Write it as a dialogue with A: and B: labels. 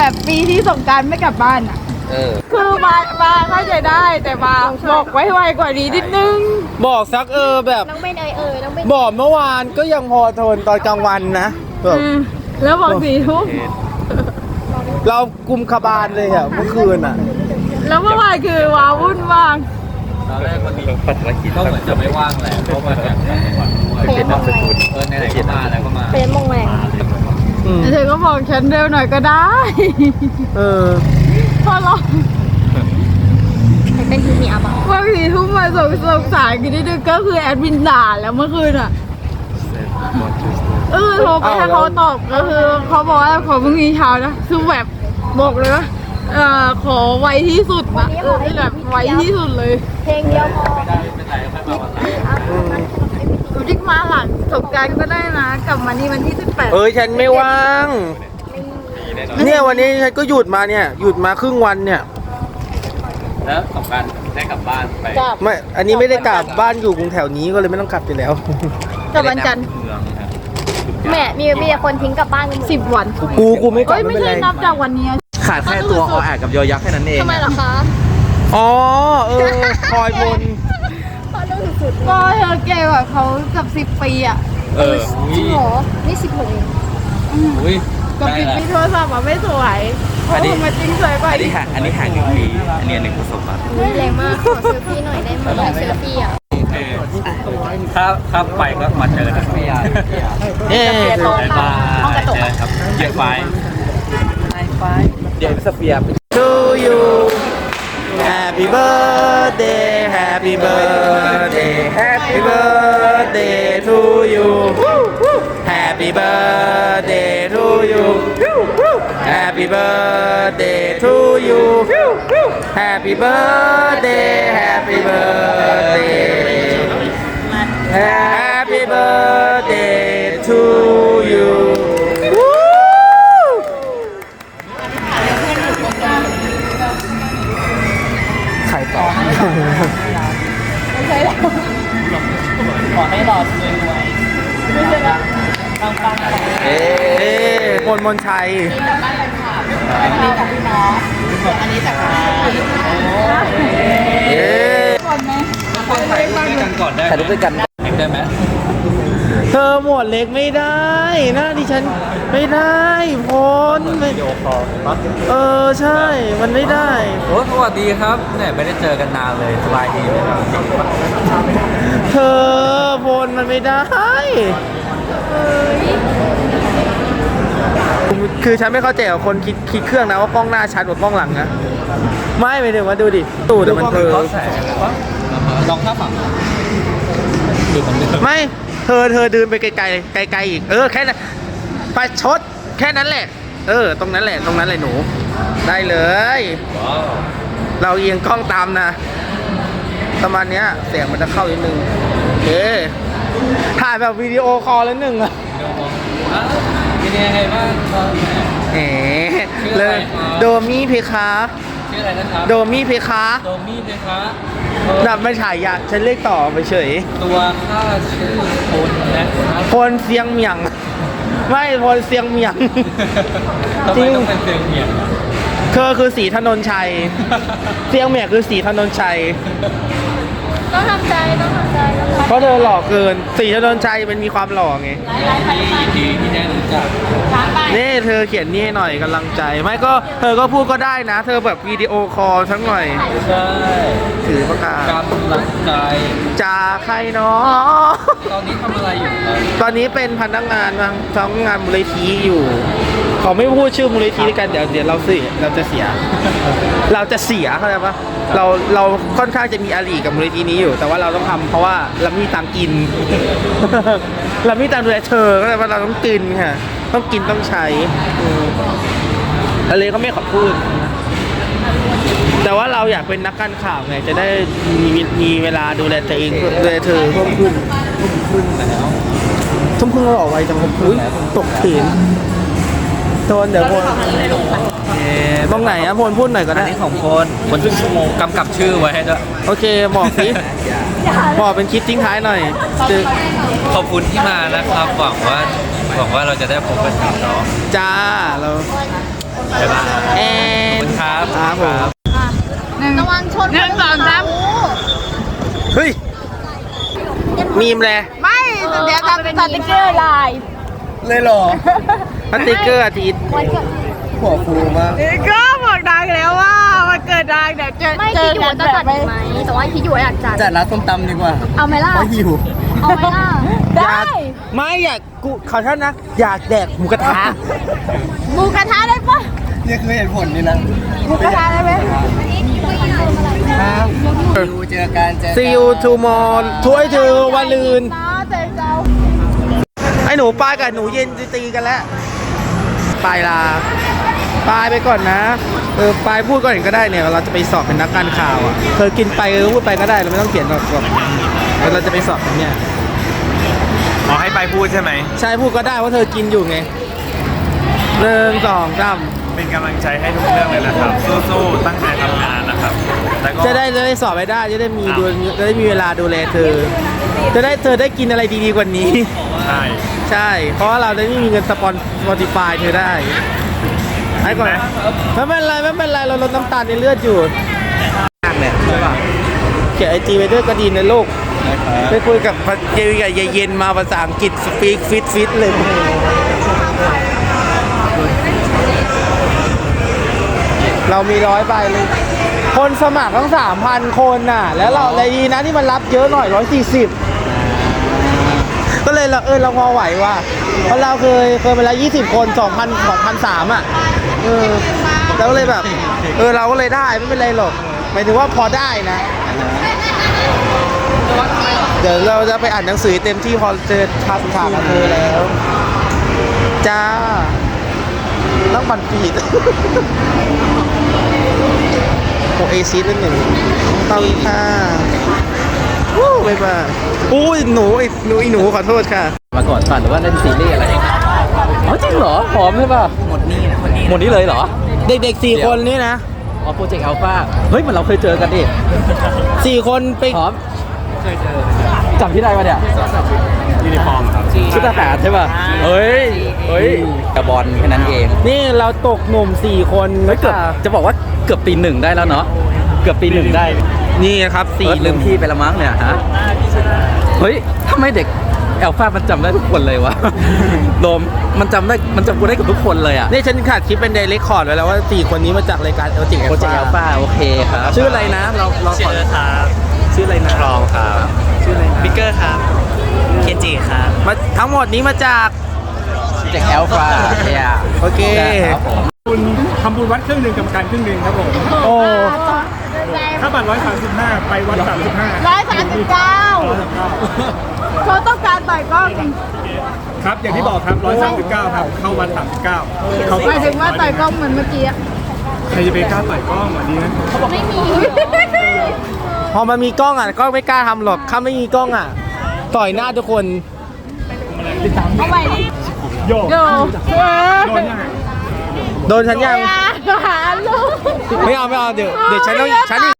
A: แบบปีที่สงกรานต์ไม่กลับบ้านอ่ะคือมาเข้าใจได้แต่มาบอกไว้ไวกว่านี้นิดนึง
B: บอกสักแบบ
C: น้องเบนน้องเบน
B: บอกเมื่อวานก็ยังพอทนตอนกลางวันนะแบบ
A: แล้วบอก4 ทุ่ม
B: เรากุมขบาลเลยอะเมื่อคืนอะ
A: แล้วเมื่อวานคือว้าวุ่นมาก
D: ตอนแรกมันมีภารกิจก็เหมือนจะไม่ว่างแหละเพราะมันแบบเป็นนามสกุลไหนๆก็มาแล้วก็มา
C: เป็นมงแรง
A: เธอก็บอกฉันเร็วหน่อยก็ได้พอเรา
C: เป็นที่มีอาบัง
A: ว่า4 ทุ่มมาสงสารกันนิดนึงก็คือแอดมินด่าแล้วเมื่อคืนอ่ะโทรไปให้เขาตอบก็คือเขาบอกว่าขอพรุ่งนี้เช้านะคือแบบบอกเลยว่าขอไวที่สุดนะแบบไวที่สุดเลย
C: เพลงเดียวพอ
A: จิ๊กมาหลังสงกรานต์ก็ได้นะกลับมานี่วันที่18
B: ฉันไม่ว่างเนี่ยวันนี้ฉันก็หยุดมาเนี่ยหยุดมาครึ่งวันเนี่ย
D: แล้วสงกรานต์ได้กลับบ้านไป
B: ไม่อันนี้ไม่ได้กลับบ้านอยู่กรุงแถวนี้ก็เลยไม่ต้องกลับไปแล้ว
A: กลับวันจันทร์
D: เมืองครับ
C: แม่มีคนทิ้งกลับบ้านกันหมด
A: 10 วัน
B: กูไม่กลับ
A: ไม่
B: ไม่เป็น
A: ใช่
B: ไร
A: นับจากวันนี้
B: ขาดแค่ตัวอแอกกับยอยักษ์แค่นั้นเอง
C: ทำไมเหรอคะ
B: อ๋อคอยบน
C: พอเรื่องสุด
A: ก็เธอเก่กว่าเขากับ10 ปีอ่ะ
C: จริงเหรอนี่16เอง
D: อุ้ย
A: กับปิดมีโทรศัพท์อ่ะไม่สวยเพราะมาจริงสวยกว่า
D: อันนี้ห่าง1 ปีอันนี้1 ประสบการณ์
C: แรงมากขอเซลฟี่หน่อยได้ไหมเซลฟี่อ่ะ
D: ถ้าไปก็มาเจอนะไม่ยาก
B: เอ๊ะ
D: มาเจอครับเกียร์ไฟเดี๋ยวสเฟียร์
B: To you Happy birthday Happy birthday Happy birthday to you Happy birthday to you Happy birthday to you Happy birthday Happy birthday Happy birthday to you ใครต่อ
D: ขอให้รอดรวยปัง
B: เอ๊มนชัย
A: อันนี้จากพี่น้องอันนี้จากก่อนไหม
D: ๆถ่ายรูปด้วยกันก่อนได้ถ่ายรูปด้วยกันได้ไหม
B: เธอหมวดเล็กไม่ได้นะดิฉันไม่ได้พล
D: วิดีโอคอล
B: ใช่ มันไม่ได้
D: โอ้สวัสดีครับเนี่ยไม่ได้เจอกันนานเลยสบายดีไหมครับ
B: เธอพลมันไม่ได้ คือฉันไม่เข้าใจกับคนคิดเครื่องนะว่ากล้องหน้าชัดกว่ากล้องหลังนะไม่ไปถึงว่าดูดิตูดมันเธอ
D: ลองท่าฝั่งดูมันดิ
B: ไม่เธอเดินไปไกลๆไกลๆอีกแค่นั้นประชดแค่นั้นแหละตรงนั้นแหละหนูได้เลย
D: ว้าว
B: เราเอียงกล้องตามนะประมาณเนี้ยเสียงมันจะเข้านิดนึงโอเคถ่ายแบบวิดีโอคอลแล้วหนึ่งอะ
D: เป็นยังไงบ้างครับ
B: เลยโดมี่เพคะ
D: ชื่ออะไรนะครับ
B: โดมี่เพคะ
D: โดมี่เลยครับ
B: นับไม่ถ่ายยาฉันเรียกต่อไปเฉย
D: ตัวข้าชื่อคุณนะครับ
B: พลเสียงเหมียงไม่พลเสียงเหมียง
D: ทำไมต้องเป็นเสียงเหี่ยง
B: คือสีถนนชัยเสียงเหมียงคือสีถนนชัย
C: ต้องทำใจ
B: เพราะเธอหล่อเกินสีถนนชัยมันมีความหล่อไง
D: ที่ได้รู้จัก
B: นี่เธอเขียนนี่ให้หน่อยกำลังใจไม่ก็เธอก็พูดก็ได้นะ เธอแบบวิดีโอคอลทั้งหน่อย
D: ใช่
B: ถือปากกาก
D: ำลังใจ
B: จากใครเนาะ
D: ตอนนี้ทำอะไรอยู่ครับ
B: ตอนนี้เป็นพนักงานทำงานมูลนิธิอยู่ขอไม่พูดชื่อมูลนิธิด้วยกันเดี๋ยวเราจะเสีย เราจะเสียเข้าใจปะเราค่อนข้างจะมีอาลีกับมูลนิธินี้อยู่ แต่ว่าเราต้องทำเพราะว่าเรามีตังค์กิน เรามีตังค์ดูแลเธอก็เลยว่าเราต้องกินค่ะต้องกินต้องใช้อะไรก็ไม่ขอพูด แต่ว่าเราอยากเป็นนักการข่าวไงจะได้มีเวลาดูแลตัวเองดูแลเธอเพิ่มขึ้นแล้วทุ่มครึ่งเราออกไวจังอุ้ยตกเถียงโดนเดี๋ยวพลตรงไหนอะพลพูดหน่อยก็
D: อัน
B: ได้
D: นี้ของคนครึ่งชั่วโมงกำกับชื่อไว้ให้ด้วย
B: โอเคบอกสิบอกเป็นคลิปทิ้งท้ายหน่อย
D: ขอบคุณที่มานะครับหวังว่าเราจะได้พบกันอีกเนาะ
B: จ้าเรา
D: บ๊ายบาย
B: แอน
D: ครับ
B: ครับผม
C: ระวังชน
A: หนึ่งสองสาม
B: เฮ้ย มีมเลย
A: ไม่เดี๋ยวจะสติ๊กเกอร์ลาย
B: เลยเหรอสติ๊กเกอร์อาทิตย์
C: วันเกิด
B: หัวฟูมาก
A: ก็บอกดังแล้วว่ามันเกิดดังเดี๋ยว
C: ไม่
A: เจ
C: คิ
A: อ
C: ดอยู่
A: กัน
C: ว่าจะจัดอีกไหมแต่ว่าคิดอยู่ว่าอยากจัด
B: จัดร้านส้มตำดีกว่า
C: เอาไหมล่ะ
B: เพราะหิว
C: เอาไหมล่ะ
A: ได้
B: ไม่อยากกูขอโทษนะ อยากแดกหมูกระทะ
A: หมูกระทะได้ปะ
B: นี่คือเหตุผลนี่นะ
A: หมูกระทะได้ไหม
B: ครับ
E: เจอกันเจอกัน
B: See you tomorrow ถ้วยเธอวันลืน
A: น้าเจอเจ้า
B: ไอ้หนูปลายกับหนูเย็นตีกันแล้วปลายลาปลายไปก่อนนะปลายพูดก่อนก็ได้เนี่ยเราจะไปสอบเป็นนักการข่าวอ่ะเธอกินไปพูดไปก็ได้เราไม่ต้องเขียนหรอกเราจะไปสอบเนี่ย
D: ขอให้ไปพูดใช่ไหม
B: ใช่พูดก็ได้ว่าเธอกินอยู่ไงหนึ่งสองสาม
D: เป็นกำลังใจให้ทุกเรื่องเลยนะครับสู้ๆตั้งใจทำงานนะครับแล้วก็
B: จะได้สอบไปได้จะได้มีเวลาดูแลเธอเธอได้กินอะไรดีๆกว่านี้
D: ใช่
B: ใช่ เพราะว่าเราได้ไม่มีเงินSpotify เธอได้ให้ก่อนไม่เป็นไรเราลดน้ำตาลในเลือดอยู่เนี่ยใช่ป่ะเขียนIG ไปด้วยก็ดีนะลูกไปคุยกับเย็นมาภาษาอังกฤษสปีกฟิตเลยเรามี100 ใบเลยคนสมัครทั้ง 3,000 คนน่ะแล้วเราเลยดีนะที่มันรับเยอะหน่อย140ก็เลยเราพอไหวว่ะเพราะเราเคยมาแล้ว20 คน2,300อ่ะแล้วก็เลยแบบเราก็เลยได้ไม่เป็นไรหรอกหมายถึงว่าพอได้นะเดี๋ยวเราจะไปอ่านหนังสือเต็มที่พอเจอถามกับเธอแล้วจ้าต้องบันฟีดโอเอซิส1ตอนค่ะวู้บ๊ายบายอู้หนูขอโทษค่ะ
E: มาก่อนฝันหรือว่าเล่นซีรีส์อะไรอ๋อจริงเหรอหอมใช่ป่ะหมดนี้เลยเหรอ
B: เด็กๆ4 คนนี่นะ
E: อ๋อโปรเจกต์อัลฟาเฮ้ยเหมือนเราเคยเจอกันดิ
B: 4 คนไป
E: หอมเคยเจอจำที่ได้ปะเนี่ย
D: ยูนิฟอร์มครับ
E: ชุดทหารใช่ป่ะเฮ้ยกระบอลแค่นั้นเอง
B: นี่เราตกหนุ่ม4 คน
E: เฮ้ยเกือบจะบอกว่าเกือบปี 1ได้แล้วเนาะเกือบปี 1ได้
B: นี่นะครับ
E: ลืมพี่ไปละมั้งเนี่ยฮะเฮ้ยทำไมเด็กแอลฟามันจำได้ทุกคนเลยวะ โดมมันจำกูได้กับทุกคนเลยอ่ะ
B: นี่ฉันขาดคลิปเป็นไดเรกคอร์ดไว้แล้วว่า4 คนนี้มาจากรายการโปรเจกต์
E: โปรเจกต์อัลฟาโอเคครับ
B: ชื่ออะไรนะเราขอ ชื่ออะไรนะ
D: ทรองครับ
B: ชื่ออะไรนะ
D: บิ๊กเกอร์ครับเคนจิครับ
B: มาทั้งหมดนี้มาจาก
E: โปรเจกต์อัลฟาเนี่ย
B: โอเค
E: ครับผม
F: คุณทำบุญวัดครึ่งหนึ่งกรรมการครึ่งหนึ่งครับผม
B: โอ้
F: ค่าบัตร135 ไปวัด35
A: 139เขาต้องการต่อยกล้อง
F: ครับอย่างที่บอกครับ139ครับเข้าวัด39เขา
A: หมายถึงว่าต่อยกล้องเหมือนเมื่อกี้อะ
F: ใครจะไปกล้าต่อยกล้องอ่ะดีนะ
C: ไม่มี
B: พอมันมีกล้องอ่ะก็ไม่กล้าทำหรอกถ้าไม่มีกล้องอ่ะต่อยหน้าทุกคน
A: เอาไปดิ
F: โย
A: โย
F: โดนยังไง
B: โดนฉันยัง
A: หาลูก
B: ไม่เอาเดี๋ยวฉันต้อง